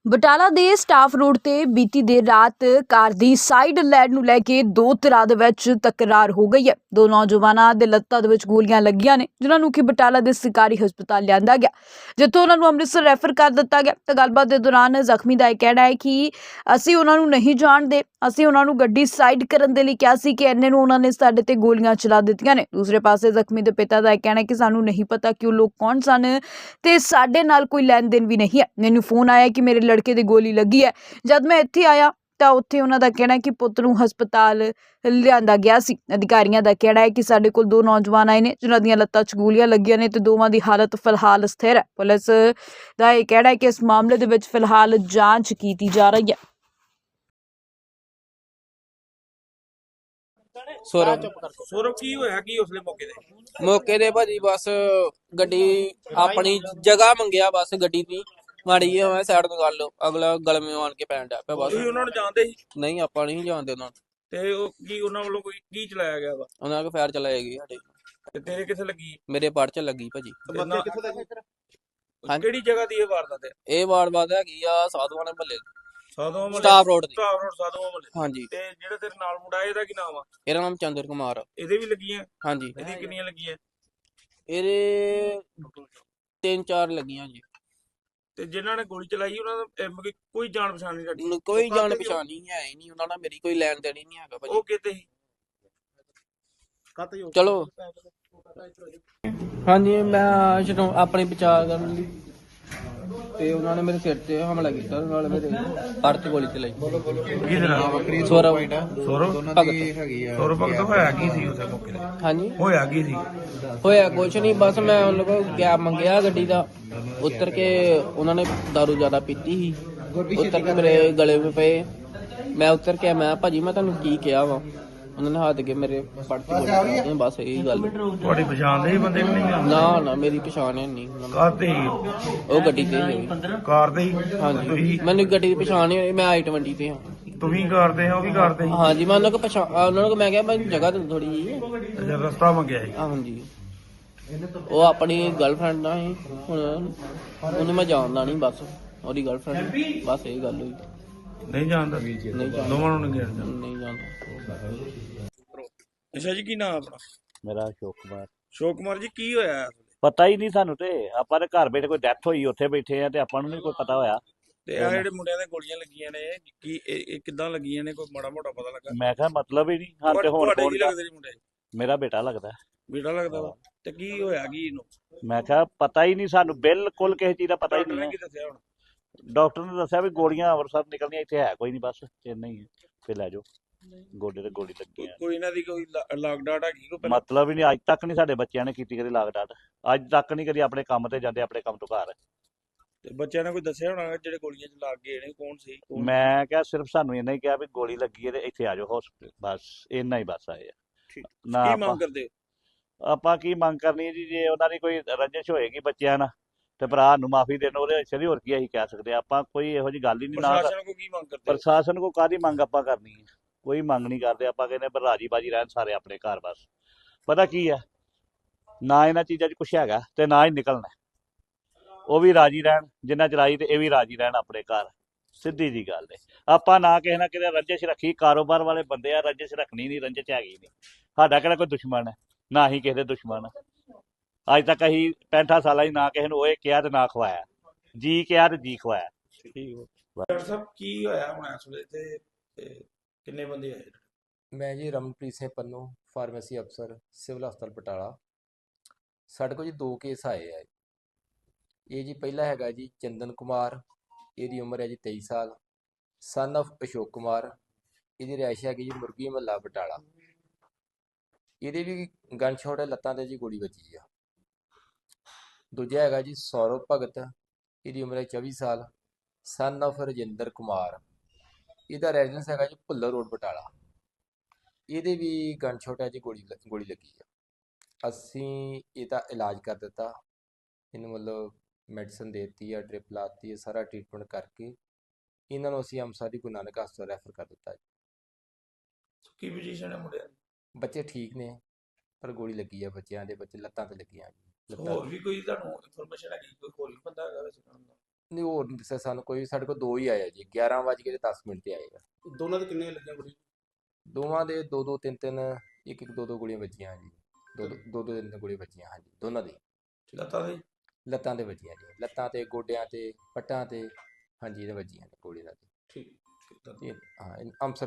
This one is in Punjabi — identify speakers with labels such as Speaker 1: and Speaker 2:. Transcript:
Speaker 1: ਬਟਾਲਾ ਦੇ ਸਟਾਫ ਰੋਡ ਤੇ ਬੀਤੀ ਦੇਰ ਰਾਤ ਕਾਰ ਦੀ ਸਾਈਡ ਲੈਣ ਨੂੰ ਲੈ ਕੇ ਦੋ ਧਿਰਾਂ ਦੇ ਵਿੱਚ ਤਕਰਾਰ ਹੋ ਗਈ ਹੈ। ਦੋ ਨੌਜਵਾਨਾਂ ਦੇ ਲੱਤਾਂ ਦੇ ਵਿੱਚ ਗੋਲੀਆਂ ਲੱਗੀਆਂ ਨੇ, ਜਿਨ੍ਹਾਂ ਨੂੰ ਕਿ ਬਟਾਲਾ ਦੇ ਸਰਕਾਰੀ ਹਸਪਤਾਲ ਲਿਆਂਦਾ ਗਿਆ, ਜਿੱਥੋਂ ਉਹਨਾਂ ਨੂੰ ਅੰਮ੍ਰਿਤਸਰ ਰੈਫਰ ਕਰ ਦਿੱਤਾ ਗਿਆ। ਤਾਂ ਗੱਲਬਾਤ ਦੇ ਦੌਰਾਨ ਜ਼ਖਮੀ ਦਾ ਇਹ ਕਹਿਣਾ ਹੈ ਕਿ ਅਸੀਂ ਉਹਨਾਂ ਨੂੰ ਨਹੀਂ ਜਾਣਦੇ, ਅਸੀਂ ਉਹਨਾਂ ਨੂੰ ਗੱਡੀ ਸਾਈਡ ਕਰਨ ਦੇ ਲਈ ਕਿਹਾ ਸੀ ਕਿ ਇੰਨੇ ਨੂੰ ਉਹਨਾਂ ਨੇ ਸਾਡੇ ਤੇ ਗੋਲੀਆਂ ਚਲਾ ਦਿੱਤੀਆਂ ਨੇ। ਦੂਸਰੇ ਪਾਸੇ ਜ਼ਖਮੀ ਦੇ ਪਿਤਾ ਦਾ ਇਹ ਕਹਿਣਾ ਹੈ ਕਿ ਸਾਨੂੰ ਨਹੀਂ ਪਤਾ ਕਿ ਉਹ ਲੋਕ ਕੌਣ ਸਨ ਤੇ ਸਾਡੇ ਨਾਲ ਕੋਈ ਲੈਣ ਦੇਣ ਵੀ ਨਹੀਂ ਹੈ। ਮੈਨੂੰ ਫੋਨ ਆਇਆ ਕਿ ਮੇਰੇ ਲੜਕੇ ਦੀ ਗੋਲੀ ਲੱਗੀ ਹੈ। ਜਦ ਮੈਂ ਇੱਥੇ ਆਇਆ ਤਾਂ ਉੱਥੇ ਉਹਨਾਂ ਦਾ ਕਹਿਣਾ ਹੈ ਕਿ ਪੁੱਤ ਨੂੰ ਹਸਪਤਾਲ ਲਿਆਂਦਾ ਗਿਆ ਸੀ। ਅਧਿਕਾਰੀਆਂ ਦਾ ਕਹਿਣਾ ਹੈ ਕਿ ਸਾਡੇ ਕੋਲ ਦੋ ਨੌਜਵਾਨ ਆਏ ਨੇ, ਜਿਨ੍ਹਾਂ ਦੀਆਂ ਲੱਤਾਂ 'ਚ ਗੋਲੀਆਂ ਲੱਗੀਆਂ ਨੇ ਤੇ ਦੋਵਾਂ ਦੀ ਹਾਲਤ ਫਿਲਹਾਲ ਸਥਿਰ ਹੈ। ਪੁਲਿਸ ਦਾ ਇਹ ਕਹਿਣਾ ਹੈ ਕਿ ਇਸ ਮਾਮਲੇ ਦੇ ਵਿੱਚ ਫਿਲਹਾਲ ਜਾਂਚ ਕੀਤੀ ਜਾ ਰਹੀ ਹੈ।
Speaker 2: ਸੌਰਵ ਕੀ ਹੋਇਆ ਕੀ ਉਸਲੇ
Speaker 3: ਮੌਕੇ ਤੇ ਭਾਜੀ ਬਸ ਗੱਡੀ ਆਪਣੀ ਜਗ੍ਹਾ ਮੰਗਿਆ, ਬਸ ਗੱਡੀ ਦੀ ਮਾੜੀ ਜਿਹੀ ਮੈਂ ਸਾਈਡ ਤੋਂ ਕਰ ਲਓ, ਅਗਲਾ ਗਲਮੇ ਆਣ ਕੇ ਪੈਣ ਡਿਆ ਪਿਆ। ਬਸ
Speaker 2: ਤੁਸੀਂ ਉਹਨਾਂ ਨੂੰ ਜਾਣਦੇ ਸੀ?
Speaker 3: ਨਹੀਂ, ਆਪਾਂ ਨਹੀਂ ਜਾਣਦੇ ਉਹਨਾਂ ਨੂੰ।
Speaker 2: ਤੇ ਉਹ ਕੀ ਉਹਨਾਂ ਵੱਲੋਂ ਕੋਈ ਕੀ ਚਲਾਇਆ ਗਿਆ ਵਾ?
Speaker 3: ਉਹਨਾਂ ਕੋ ਫਾਇਰ ਚਲਾਏਗੀ ਸਾਡੇ।
Speaker 2: ਤੇ ਤੇਰੇ ਕਿੱਥੇ ਲੱਗੀ?
Speaker 3: ਮੇਰੇ ਪੜ ਚ ਲੱਗੀ ਭਾਜੀ।
Speaker 2: ਕਿਹੜੀ ਜਗ੍ਹਾ ਦੀ ਇਹ ਵਾਰਦਾਤ ਹੈ?
Speaker 3: ਇਹ ਵਾਰਦਾਤ ਹੈਗੀ ਆ ਸਾਧੂਆਂ ਦੇ ਮਹੱਲੇ,
Speaker 2: ਸਾਧੂਆਂ ਮਹੱਲੇ,
Speaker 3: ਸਟਾਫ ਰੋਡ ਦੀ।
Speaker 2: ਸਟਾਫ ਰੋਡ ਸਾਧੂਆਂ ਮਹੱਲੇ।
Speaker 3: ਹਾਂਜੀ।
Speaker 2: ਤੇ ਜਿਹੜਾ ਤੇਰੇ ਨਾਲ ਮੁੰਡਾ ਇਹਦਾ ਕੀ ਨਾਮ ਆ?
Speaker 3: ਇਹਦਾ ਨਾਮ ਚੰਦਰ ਕੁਮਾਰ।
Speaker 2: ਇਹਦੇ ਵੀ ਲੱਗੀਆਂ?
Speaker 3: ਹਾਂਜੀ।
Speaker 2: ਇਹਦੀ ਕਿੰਨੀਆਂ ਲੱਗੀਆਂ?
Speaker 3: ਇਹਦੇ 3-4 ਲੱਗੀਆਂ ਜੀ।
Speaker 2: ਤੇ ਜਿਨ੍ਹਾਂ ਨੇ ਗੋਲੀ ਚਲਾਈ ਉਹਨਾਂ ਦਾ ਕੋਈ ਜਾਣ ਪਛਾਣ ਨਹੀਂ ਸਾਡੀ?
Speaker 3: ਕੋਈ ਜਾਣ ਪਛਾਣ ਨਹੀਂ ਹੈ ਹੀ ਨਹੀਂ, ਉਹਨਾਂ ਨਾਲ ਮੇਰੀ ਕੋਈ ਲੈਣ ਦੇਣ ਹੀ ਨਹੀਂ ਹੈਗਾ ਭਾਜੀ।
Speaker 2: ਉਹ ਕਿਤੇ ਸੀ?
Speaker 3: ਚਲੋ ਹਾਂਜੀ, ਮੈਂ ਜਦੋਂ ਆਪਣੀ ਬਚਾਅ ਕਰਨ ਲਈ ਤੇ ਉਹਨਾਂ ਨੇ ਮੇਰੇ ਸਿਰ ਤੇ ਹਮਲਾ ਕੀਤਾ, ਨਾਲ ਮੇਰੇ ਪੜ ਤੇ ਗੋਲੀ ਚਲਾਈ।
Speaker 2: ਕਿਹਦੇ ਨਾਲ?
Speaker 3: ਸੌਰਵ ਭਗਤ।
Speaker 2: ਸੌਰਵ ਭਗਤ ਹੋਇਆ ਕੀ ਸੀ ਉਸੇ ਮੌਕੇ ਤੇ?
Speaker 3: ਹਾਂਜੀ,
Speaker 2: ਹੋਇਆ ਕੀ ਸੀ?
Speaker 3: ਹੋਇਆ ਕੁਛ ਨਹੀਂ, ਬਸ ਮੈਂ ਉਹਨਾਂ ਕੋਲ ਕੈਬ ਮੰਗਿਆ ਗੱਡੀ ਦਾ। ਉਤਰ ਕੇ ਉਹਨਾਂ ਨੇ ਦਾਰੂ ਜ਼ਿਆਦਾ ਪੀਤੀ ਸੀ, ਉਤਰ ਕੇ ਮੇਰੇ ਗਲੇ ਵਿੱਚ ਪਏ। ਮੈਂ ਉਤਰ ਕੇ ਮੈਂ ਭਾਜੀ ਮੈਂ ਤੁਹਾਨੂੰ ਕੀ ਕਿਹਾ ਵਾ? ਉਹਨਾਂ ਨੇ ਹੱਥ ਕੇ ਮੇਰੇ ਪੜ ਤੇ ਗੋਲੀ। ਬਸ ਇਹੀ ਗੱਲ।
Speaker 2: ਤੁਹਾਡੀ ਪਛਾਣ ਦੇ ਬੰਦੇ ਵੀ ਨਹੀਂ?
Speaker 3: ਨਾ ਮੇਰੀ ਪਛਾਣ ਹੈ ਨਹੀਂ।
Speaker 2: ਕਾਹਤੇ?
Speaker 3: ਉਹ ਗੱਡੀ ਤੇ ਸੀ।
Speaker 2: ਕਾਰ ਤੇ?
Speaker 3: ਹਾਂਜੀ, ਮੈਨੂੰ ਗੱਡੀ ਦੀ ਪਛਾਣ ਨਹੀਂ ਹੋਈ। ਮੈਂ I-20 ਤੇ ਹਾਂ।
Speaker 2: ਤੁਸੀਂ ਕਰਦੇ ਹੋ? ਉਹ ਵੀ ਕਰਦੇ?
Speaker 3: ਹਾਂਜੀ, ਮੈਂ ਉਹਨਾਂ ਕੋ ਉਹਨਾਂ ਨੂੰ ਮੈਂ ਕਿਹਾ ਮੈਂ ਜਗ੍ਹਾ ਤੇ ਥੋੜੀ ਜੀ
Speaker 2: ਰਸਤਾ ਮੰਗਿਆ ਸੀ?
Speaker 3: ਹਾਂਜੀ, ਉਹ ਆਪਣੀ ਗਰਲਫ੍ਰੈਂਡ ਨਾਲ ਸੀ। ਹੁਣ ਉਹਨੂੰ ਮੈਂ ਜਾਣਦਾ ਨਹੀਂ, ਬਸ ਉਹਦੀ ਗਰਲਫ੍ਰੈਂਡ, ਬਸ ਇਹ ਗੱਲ ਹੋਈ।
Speaker 2: ਨਹੀਂ ਜਾਣਦਾ?
Speaker 3: ਨਹੀਂ ਜਾਣਦਾ,
Speaker 2: ਦੋਵਾਂ ਨੂੰ ਨਹੀਂ
Speaker 3: ਜਾਣਦਾ।
Speaker 2: ਅੱਛਾ ਜੀ, ਕੀ ਨਾਮ ਆਪਣਾ?
Speaker 4: ਮੇਰਾ ਅਸ਼ੋਕ ਕੁਮਾਰ।
Speaker 2: ਅਸ਼ੋਕ ਕੁਮਾਰ ਜੀ, ਕੀ ਹੋਇਆ?
Speaker 4: ਪਤਾ ਹੀ ਨਹੀਂ ਸਾਨੂੰ, ਤੇ ਆਪਾਂ ਦੇ ਘਰ ਬੈਠੇ ਕੋਈ ਡੈਥ ਹੋਈ ਉੱਥੇ ਬੈਠੇ ਆ ਤੇ ਆਪਾਂ ਨੂੰ ਨਹੀਂ ਕੋਈ ਪਤਾ ਹੋਇਆ।
Speaker 2: ਤੇ ਆ ਜਿਹੜੇ ਮੁੰਡਿਆਂ ਦੇ ਗੋਲੀਆਂ ਲੱਗੀਆਂ ਨੇ, ਕੀ ਇਹ ਕਿੱਦਾਂ ਲੱਗੀਆਂ ਨੇ? ਕੋਈ ਮਾੜਾ ਮੋਟਾ ਪਤਾ ਲੱਗਾ?
Speaker 4: ਮੈਂ ਕਿਹਾ ਮਤਲਬ ਹੀ ਨਹੀਂ ਹਾਂ। ਤੇ ਹੁਣ
Speaker 2: ਤੁਹਾਡੇ ਕੀ ਲੱਗਦੇ ਨੇ ਮੁੰਡੇ?
Speaker 4: ਮੇਰਾ ਬੇਟਾ ਲੱਗਦਾ।
Speaker 2: ਬੇਟਾ ਲੱਗਦਾ ਵਾ? ਤੇ ਕੀ ਹੋਇਆ ਕੀ ਇਹਨੂੰ?
Speaker 4: ਮੈਂ ਕਿਹਾ ਪਤਾ ਹੀ ਨਹੀਂ ਸਾਨੂੰ, ਬਿਲਕੁਲ ਕਿਸੇ ਚੀਜ਼ ਦਾ ਪਤਾ ਹੀ
Speaker 2: ਡਾਕਟਰ ਨੇ
Speaker 4: ਨਹੀਂ।
Speaker 2: ਕੀ ਦੱਸਿਆ ਹੁਣ?
Speaker 4: ਡਾਕਟਰ ਨੇ ਦੱਸਿਆ ਵੀ ਗੋਲੀਆਂ ਅੰਮ੍ਰਿਤਸਰ ਨਿਕਲਦੀਆਂ, ਇੱਥੇ ਹੈ ਕੋਈ ਨਹੀਂ, ਬਸ ਇੰਨਾ ਹੀ ਹੈ, ਫਿਰ ਲੈ ਜਾਓ। ਗੋਡੇ ਤੇ ਗੋਲੀ ਲੱਗੀ ਹੈ।
Speaker 2: ਕੋਈ ਇਹਨਾਂ ਦੀ ਕੋਈ ਲਾਗ ਡਾਟ ਹੈਗੀ ਕੋਈ ਪਹਿਲਾਂ?
Speaker 4: ਮਤਲਬ ਹੀ ਨਹੀਂ, ਅੱਜ ਤੱਕ ਨਹੀਂ ਸਾਡੇ ਬੱਚਿਆਂ ਨੇ ਕੀਤੀ ਕਦੀ ਲਾਗ ਡਾਟ। ਅੱਜ ਤੱਕ ਨਹੀਂ ਕਦੀ ਆਪਣੇ ਕੰਮ ਤੇ ਜਾਂਦੇ, ਆਪਣੇ ਕੰਮ ਤੋਂ ਘਰ।
Speaker 2: ਤੇ ਬੱਚਿਆਂ ਨੇ ਕੋਈ ਦੱਸਿਆ ਹੋਣਾ ਜਿਹੜੇ ਗੋਲੀਆਂ ਚ ਲੱਗ ਗਏ ਨੇ ਕੌਣ ਸੀ?
Speaker 4: ਮੈਂ ਕਿਹਾ ਸਿਰਫ ਸਾਨੂੰ ਇੰਨਾ ਹੀ ਕਿਹਾ ਵੀ ਗੋਲੀ ਲੱਗੀ ਹੈ ਤੇ ਇੱਥੇ ਆ ਜਾਓ ਹਸਪੀਟਲ, ਬਸ ਇੰਨਾ ਹੀ ਬਸ ਆਏ ਆ। ਨਾ
Speaker 2: ਕੀ
Speaker 4: ਆਪਾਂ
Speaker 2: ਮੰਗ ਕਰਦੇ?
Speaker 4: ਆਪਾਂ ਕੀ ਮੰਗ ਕਰਨੀ ਹੈ ਜੀ? ਜੇ ਉਹਨਾਂ ਦੀ ਕੋਈ ਰੰਜਿਸ਼ ਹੋਏਗੀ ਬੱਚਿਆਂ ਨਾਲ ਤੇ ਭਰਾ ਨੂੰ ਮਾਫੀ ਦੇਣ, ਉਹਦੇ ਵਿੱਚ ਹੋਰ ਕੀ ਅਸੀਂ ਕਹਿ ਸਕਦੇ ਆ? ਆਪਾਂ ਕੋਈ ਇਹੋ ਜਿਹੀ ਗੱਲ ਹੀ ਨਹੀਂ। ਨਾ
Speaker 2: ਪ੍ਰਸ਼ਾਸਨ ਕੋ ਕੀ ਮੰਗ ਕਰਦੇ?
Speaker 4: ਪ੍ਰਸ਼ਾਸਨ ਕੋ ਕਾਹਦੀ ਮੰਗ ਆਪਾਂ ਕਰਨੀ ਹੈ? ਕੋਈ ਮੰਗ ਨਹੀਂ ਕਰਦੇ ਆਪਾਂ, ਕਹਿੰਦੇ ਪਰ ਰਾਜੀ ਬਾਜੀ ਰਹਿਣ ਸਾਰੇ ਆਪਣੇ ਘਰ। ਬਸ ਪਤਾ ਕੀ ਹੈ, ਨਾ ਇਹਨਾਂ ਚੀਜ਼ਾਂ 'ਚ ਕੁਛ ਹੈਗਾ ਤੇ ਨਾ ਹੀ ਨਿਕਲਣਾ। ਉਹ ਵੀ ਰਾਜੀ ਰਹਿਣ ਜਿੰਨਾ ਚਲਾਈ, ਤੇ ਇਹ ਵੀ ਰਾਜੀ ਰਹਿਣ ਆਪਣੇ ਘਰ। ਸਿੱਧੀ ਜੀ ਗੱਲ ਹੈ। ਆਪਾਂ ਨਾ ਕਿਸੇ ਨਾ ਕਿਤੇ ਰੰਜਿਸ਼ ਰੱਖੀ, ਕਾਰੋਬਾਰ ਵਾਲੇ ਬੰਦੇ ਆ, ਰੰਜਿਸ਼ ਰੱਖਣੀ ਨਹੀਂ, ਰੰਜਿਸ਼ ਹੈਗੀ ਨਹੀਂ। ਸਾਡਾ ਕਿਹੜਾ ਕੋਈ ਦੁਸ਼ਮਣ ਹੈ? ਨਾ ਹੀ ਕਿਸੇ ਦੇ ਦੁਸ਼ਮਣ। ਅੱਜ ਤੱਕ ਅਸੀਂ 65 ਸਾਲਾਂ ਹੀ ਨਾ ਕਿਸੇ ਨੂੰ ਉਹ ਕਿਹਾ ਤੇ ਨਾ ਖਵਾਇਆ, ਜੀ ਕਿਹਾ ਤੇ ਜੀ ਖਵਾਇਆ।
Speaker 2: ਠੀਕ ਹੋ ਡਾਕਟਰ ਸਾਹਿਬ, ਕੀ ਹੋਇਆ ਹੁਣ ਇਸ ਵੇਲੇ ਤੇ ਕਿੰਨੇ ਬੰਦੇ ਆਏ?
Speaker 5: ਮੈਂ ਜੀ ਰਮਨਪ੍ਰੀਤ ਸਿੰਘ ਪੰਨੂ, ਫਾਰਮੇਸੀ ਅਫਸਰ, ਸਿਵਲ ਹਸਪਤਾਲ ਬਟਾਲਾ। ਸਾਡੇ ਕੋਲ ਜੀ 2 ਕੇਸ ਆਏ ਆ। ਇਹ ਜੀ ਪਹਿਲਾ ਹੈਗਾ ਜੀ ਚੰਦਨ ਕੁਮਾਰ, ਇਹਦੀ ਉਮਰ ਹੈ ਜੀ 23 ਸਾਲ, ਸਨ ਆਫ ਅਸ਼ੋਕ ਕੁਮਾਰ। ਇਹਦੀ ਰਿਹਾਇਸ਼ ਹੈਗੀ ਜੀ ਮੁਰਗੀ ਮਹੱਲਾ ਬਟਾਲਾ। ਇਹਦੇ ਵੀ ਗਨ ਸ਼ਾਟ ਹੈ, ਲੱਤਾਂ ਤੇ ਜੀ ਗੋਲੀ ਵੱਜੀ ਆ। ਦੂਜਾ ਹੈਗਾ ਜੀ ਸੌਰਵ ਭਗਤ, ਇਹਦੀ ਉਮਰ ਹੈ 24 ਸਾਲ, ਸਨ ਆਫ ਰਜਿੰਦਰ ਕੁਮਾਰ। ਇਹਦਾ ਰੈਜ਼ੀਡੈਂਸ ਹੈਗਾ ਜੀ ਭੁੱਲਰ ਰੋਡ ਬਟਾਲਾ। ਇਹਦੇ ਵੀ ਗਨ ਸ਼ਾਟ ਹੈ ਜੀ, ਗੋਲੀ ਲੱਗੀ ਆ। ਅਸੀਂ ਇਹਦਾ ਇਲਾਜ ਕਰ ਦਿੱਤਾ, ਇਹਨੂੰ ਮਤਲਬ ਮੈਡੀਸਨ ਦੇ ਦਿੱਤੀ ਆ, ਡ੍ਰਿਪ ਲਾਤੀ, ਸਾਰਾ ਟ੍ਰੀਟਮੈਂਟ ਕਰਕੇ ਇਹਨਾਂ ਨੂੰ ਅਸੀਂ ਅੰਮ੍ਰਿਤਸਰ ਦੀ ਗੁਰੂ ਨਾਨਕ ਹਸਪਤਾਲ ਰੈਫਰ ਕਰ ਦਿੱਤਾ ਜੀ।
Speaker 2: ਕੀ ਪੋਜੀਸ਼ਨ ਹੈ ਮੁੰਡਿਆਂ ਦੀ?
Speaker 5: ਬੱਚੇ ਠੀਕ ਨੇ, ਪਰ ਗੋਲੀ ਲੱਗੀ ਆ ਬੱਚਿਆਂ ਦੇ, ਬੱਚੇ ਲੱਤਾਂ ਤੇ ਲੱਗੀਆਂ ਜੀ।
Speaker 2: ਹੋਰ ਵੀ ਕੋਈ ਤੁਹਾਨੂੰ ਇਨਫੋਰਮੇਸ਼ਨ ਹੈਗੀ ਕੋਈ ਹੋਰ ਵੀ ਬੰਦਾ ਹੈਗਾ ਵੈਸੇ?
Speaker 5: ਨਹੀਂ ਹੋਰ ਨਹੀਂ ਦੱਸਿਆ ਸਾਨੂੰ ਕੋਈ। ਸਾਡੇ ਕੋਲ ਦੋ ਹੀ ਆਏ ਆ ਜੀ, 11:10 ਤੇ ਆਏ ਆ।
Speaker 2: ਦੋਨਾਂ ਦੇ ਕਿੰਨੇ ਲੱਗੀਆਂ ਗੋਲੀ?
Speaker 5: ਦੋਵਾਂ ਦੇ ਦੋ ਦੋ ਤਿੰਨ ਤਿੰਨ ਇੱਕ ਇੱਕ ਦੋ ਦੋ ਗੋਲੀਆਂ ਵੱਜੀਆਂ ਜੀ। ਦੋ ਦੋ ਤਿੰਨ ਤਿੰਨ ਗੋਲੀਆਂ ਵੱਜੀਆਂ ਹਾਂਜੀ, ਦੋਨਾਂ ਦੀ
Speaker 2: ਲੱਤਾਂ ਦੇ?
Speaker 5: ਲੱਤਾਂ ਤੇ ਵੱਜੀਆਂ ਜੀ, ਲੱਤਾਂ ਤੇ, ਗੋਡਿਆਂ ਤੇ, ਪੱਟਾਂ ਤੇ, ਹਾਂਜੀ ਇਹਦੇ ਵੱਜੀਆਂ ਨੇ ਗੋਲੀ ਨਾਲ।
Speaker 2: ਠੀਕ ਠੀਕ।
Speaker 5: ਇਹ ਹਾਂ ਅੰਮ੍ਰਿਤਸਰ